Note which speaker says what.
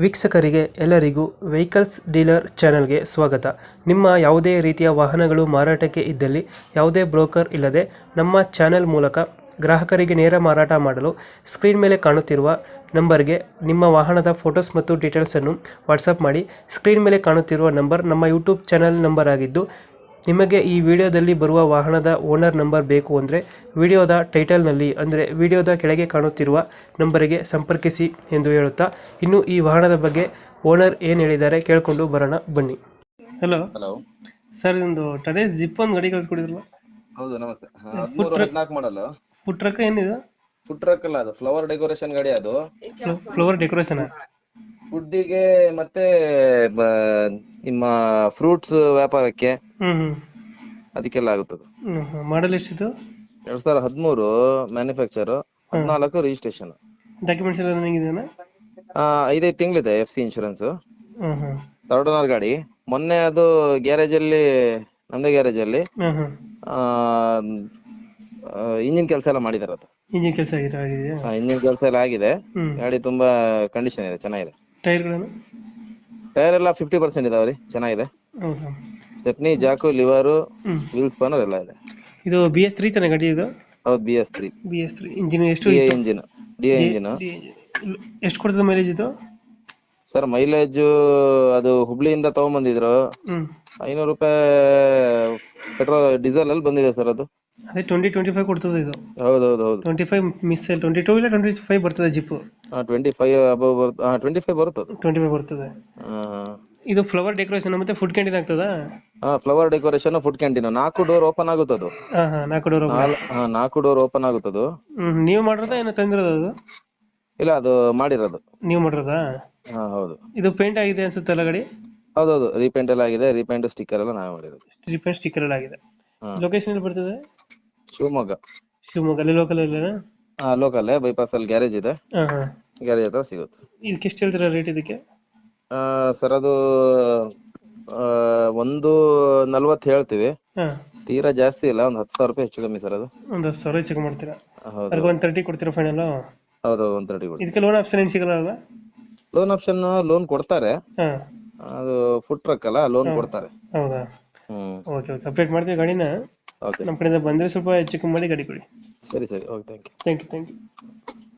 Speaker 1: ವೀಕ್ಷಕರಿಗೆ ಎಲ್ಲರಿಗೂ vehicles dealer ಚಾನೆಲ್ಗೆ ಸ್ವಾಗತ. ನಿಮ್ಮ ಯಾವುದೇ ರೀತಿಯ ವಾಹನಗಳು ಮಾರಾಟಕ್ಕೆ ಇದ್ದಲ್ಲಿ ಯಾವುದೇ ಬ್ರೋಕರ್ ಇಲ್ಲದೆ ನಮ್ಮ ಚಾನೆಲ್ ಮೂಲಕ ಗ್ರಾಹಕರಿಗೆ ನೇರ ಮಾರಾಟ ಮಾಡಲು ಸ್ಕ್ರೀನ್ ಮೇಲೆ ಕಾಣುತ್ತಿರುವ ನಂಬರ್ಗೆ ನಿಮ್ಮ ವಾಹನದ ಫೋಟೋಸ್ ಮತ್ತು ಡೀಟೇಲ್ಸನ್ನು ವಾಟ್ಸಪ್ ಮಾಡಿ. ಸ್ಕ್ರೀನ್ ಮೇಲೆ ಕಾಣುತ್ತಿರುವ ನಂಬರ್ ನಮ್ಮ ಯೂಟ್ಯೂಬ್ ಚಾನೆಲ್ ನಂಬರ್ ಆಗಿದ್ದು, ನಿಮಗೆ ಈ ವಿಡಿಯೋದಲ್ಲಿ ಬರುವ ವಾಹನದ ಓನರ್ ನಂಬರ್ ಬೇಕು ಅಂದರೆ ವಿಡಿಯೋದ ಟೈಟಲ್ನಲ್ಲಿ ಅಂದರೆ ವಿಡಿಯೋದ ಕೆಳಗೆ ಕಾಣುತ್ತಿರುವ ನಂಬರಿಗೆ ಸಂಪರ್ಕಿಸಿ ಎಂದು ಹೇಳುತ್ತಾ, ಇನ್ನು ಈ ವಾಹನದ ಬಗ್ಗೆ ಓನರ್ ಏನು ಹೇಳಿದ್ದಾರೆ ಕೇಳಿಕೊಂಡು ಬರೋಣ ಬನ್ನಿ. ಹಲೋ
Speaker 2: ಹಲೋ
Speaker 1: ಸರ್, ಒಂದು ಟರೇಸ್ ಜಿಪ್ ಒಂದು ಗಾಡಿ ಕಳಿಸ್ಕೊಡಿದ್ರಲ್ಲ?
Speaker 2: ಹೌದು, ನಮಸ್ತೆ. 13-14 ಮಾಡಲು
Speaker 1: ಫುಡ್ ಟ್ರಕ್ ಏನಿದೆ?
Speaker 2: ಫುಡ್ ಟ್ರಕ್ ಅಲ್ಲ, ಅದು ಫ್ಲವರ್ ಡೆಕೋರೇಷನ್ ಗಾಡಿ. ಅದು
Speaker 1: ಫ್ಲವರ್ ಡೆಕೋರೇಷನ್
Speaker 2: ಫುಡ್ಡಿಗೆ ಮತ್ತೆ ನಿಮ್ಮ ಫ್ರೂಟ್ಸ್ ವ್ಯಾಪಾರಕ್ಕೆ ಅದಕ್ಕೆಲ್ಲ ಆಗುತ್ತದೆ.
Speaker 1: ಮಾಡಲ್ ಎಷ್ಟಿತ್ತು?
Speaker 2: 2013 ಮ್ಯಾನುಫ್ಯಾಕ್ಚರ್, 14 ರಿಜಿಸ್ಟ್ರೇಷನ್.
Speaker 1: ಡಾಕ್ಯುಮೆಂಟ್ಸ್ ಎಲ್ಲ ರನ್ನಿಂಗ್ ಇದೆಯಾ?
Speaker 2: 5 ತಿಂಗಳಿದೆ FC ಇನ್ಶೂರೆನ್ಸ್.
Speaker 1: ಹ್ಮ್ ಹ್ಮ್
Speaker 2: ಥರ್ಡ್ ಓನರ್ ಗಾಡಿ. ಮೊನ್ನೆ ಅದು ಗ್ಯಾರೇಜ್ ಅಲ್ಲಿ, ನಮ್ದೇ ಗ್ಯಾರೇಜ್ ಅಲ್ಲಿ ಇಂಜಿನ್ ಕೆಲಸ ಎಲ್ಲ ಮಾಡಿದಾರೆ. ಅದು
Speaker 1: ಇಂಜಿನ್ ಕೆಲಸ ಆಗಿದೆಯಾ?
Speaker 2: ಇಂಜಿನ್ ಕೆಲಸ ಎಲ್ಲ ಆಗಿದೆ. ಗಾಡಿ ತುಂಬಾ ಕಂಡೀಷನ್ ಇದೆ, ಚೆನ್ನಾಗಿದೆ.
Speaker 1: ಟೈರ್ಗಳನ್ನು?
Speaker 2: ಟೈರ್ ಎಲ್ಲ 50% ಇದಾವ್ರಿ, ಚೆನ್ನಾಗಿದೆ.
Speaker 1: ಹೌದಾ?
Speaker 2: Stepney, jack, lever, wheel spanner ಎಲ್ಲ ಇದೆ.
Speaker 1: ಇದು BS3 ತಾನೆ ಗಾಡಿ ಇದು?
Speaker 2: ಹೌದು, BS3.
Speaker 1: BS3 ಇಂಜಿನ್ ಎಷ್ಟು?
Speaker 2: DI engine.
Speaker 1: ಎಷ್ಟು ಕೊಡ್ತದೆ ಮೈಲೇಜ್ ಇದು?
Speaker 2: ಸರ್, ಮೈಲೇಜ್ ಅದು ಹುಬ್ಳಿಯಿಂದ ತಗೊಂಡ್ಬಂದಿದ್ರು. 500 ರೂಪಾಯಿ ಪೆಟ್ರೋಲ್ ಡೀಸೆಲ್ ಅಲ್ಲಿ ಬಂದಿದೆ ಸರ್. ಅದು
Speaker 1: ಅದೇ 20-25 ಕೊಡ್ತದೆ ಇದು.
Speaker 2: ಹೌದೌದು ಹೌದು.
Speaker 1: 25 ಮಿಸ್ 22 ಇಲ್ಲ 25 ಬರ್ತದೆ ಜಿಪ್.
Speaker 2: 25 ಅಬೌವ್ 25 ಬರುತ್ತದೆ.
Speaker 1: 25 ಬರ್ತದೆ. ಇದು ಫ್ಲವರ್ ಡೆಕೋರೇಷನ್ ಮತ್ತೆ ಫುಡ್ ಕ್ಯಾಂಟೀನ್ ಆಗ್ತದಾ?
Speaker 2: Flower decoration, food canteen. 4 door open ಆಗುತ್ತದು.
Speaker 1: 4 ಡೋರ್.
Speaker 2: 4 ಡೋರ್ ಓಪನ್ ಆಗುತ್ತದು.
Speaker 1: ನೀವು ಮಾಡಿರೋದಾ ಏನೋ ತಂದಿರೋದು ಅದು?
Speaker 2: ಇಲ್ಲ, ಅದು ಮಾಡಿರೋದು.
Speaker 1: ನೀವು ಮಾಡಿರೋದಾ?
Speaker 2: ಹೌದು.
Speaker 1: ಇದು ಪೇಂಟ್ ಆಗಿದೆ ಅನ್ಸುತ್ತಲ್ಲ ಗಾಡಿ?
Speaker 2: ಹೌದೌದು, ರೀಪೇಂಟ್ ಎಲ್ಲ ಆಗಿದೆ. ರೀಪೇಂಟ್, ಸ್ಟಿಕ್ಕರ್ ಎಲ್ಲ ನಾವೇ ಮಾಡಿರೋದು.
Speaker 1: ರೀಪೇಂಟ್ ಸ್ಟಿಕ್ಕರ್ ಎಲ್ಲ ಆಗಿದೆ. ಲೊಕೇಶನ್ ಎಲ್ಲಿ ಬರ್ತದೆ?
Speaker 2: ಶಿವಮೊಗ್ಗ.
Speaker 1: ಶಿವಮೊಗ್ಗ ಅಲ್ಲಿ ಲೋಕಲ್ ಅಲ್ಲೇನಾ?
Speaker 2: ಲೋಕಲ್ ಬೈಪಾಸ್ ಅಲ್ಲಿ ಗ್ಯಾರೇಜ್ ಇದೆ. ಗ್ಯಾರೇಜ್ ಹತ್ರ ಸಿಗುತ್ತೆ.
Speaker 1: ಇದಕ್ಕೆ ಎಷ್ಟು ಹೇಳ್ತೀರಾ ರೇಟ್ ಇದಕ್ಕೆ?
Speaker 2: ಸರ್, ಅದು 140 ಹೇಳ್ತೀವಿ. ತೀರಾ ಜಾಸ್ತಿ ಇಲ್ಲ, ಒಂದು 10,000 ರೂಪಾಯಿ ಹೆಚ್ಚು ಕಮ್ಮಿ ಸರ್. ಅದು ಒಂದು
Speaker 1: 10,000 ಹೆಚ್ಚು ಮಾಡ್ತೀರಾ?
Speaker 2: ಹೌದು.
Speaker 1: 130 ಕೊಡ್ತೀರಾ ಫೈನಲ್?
Speaker 2: ಹೌದು, 130 ಕೊಡಿ.
Speaker 1: ಇದಕ್ಕೆ ಲೋನ್ ಆಪ್ಷನ್ ಏನು ಸಿಗಲ್ಲ ಅಲ್ವಾ?
Speaker 2: ಲೋನ್ ಆಪ್ಷನ್, ಲೋನ್ ಕೊಡ್ತಾರೆ. ಅದು ಫುಡ್ ಟ್ರಕ್ ಅಲ್ಲ, ಲೋನ್ ಕೊಡ್ತಾರೆ.
Speaker 1: ಹೌದಾ? ಓಕೆ ಓಕೆ, ಅಪ್ಡೇಟ್ ಮಾಡ್ತೀವಿ ಗಾಡಿನ.
Speaker 2: ಓಕೆ,
Speaker 1: ನಮ್ಮ ಕಡೆಯಿಂದ ಬಂದರೆ ಸ್ವಲ್ಪ ಹೆಚ್ಚು ಕಮ್ಮಿ ಮಾಡಿ ಗಾಡಿ ಕೊಡಿ.
Speaker 2: ಸರಿ ಸರಿ. Okay, thank you.
Speaker 1: Thank you.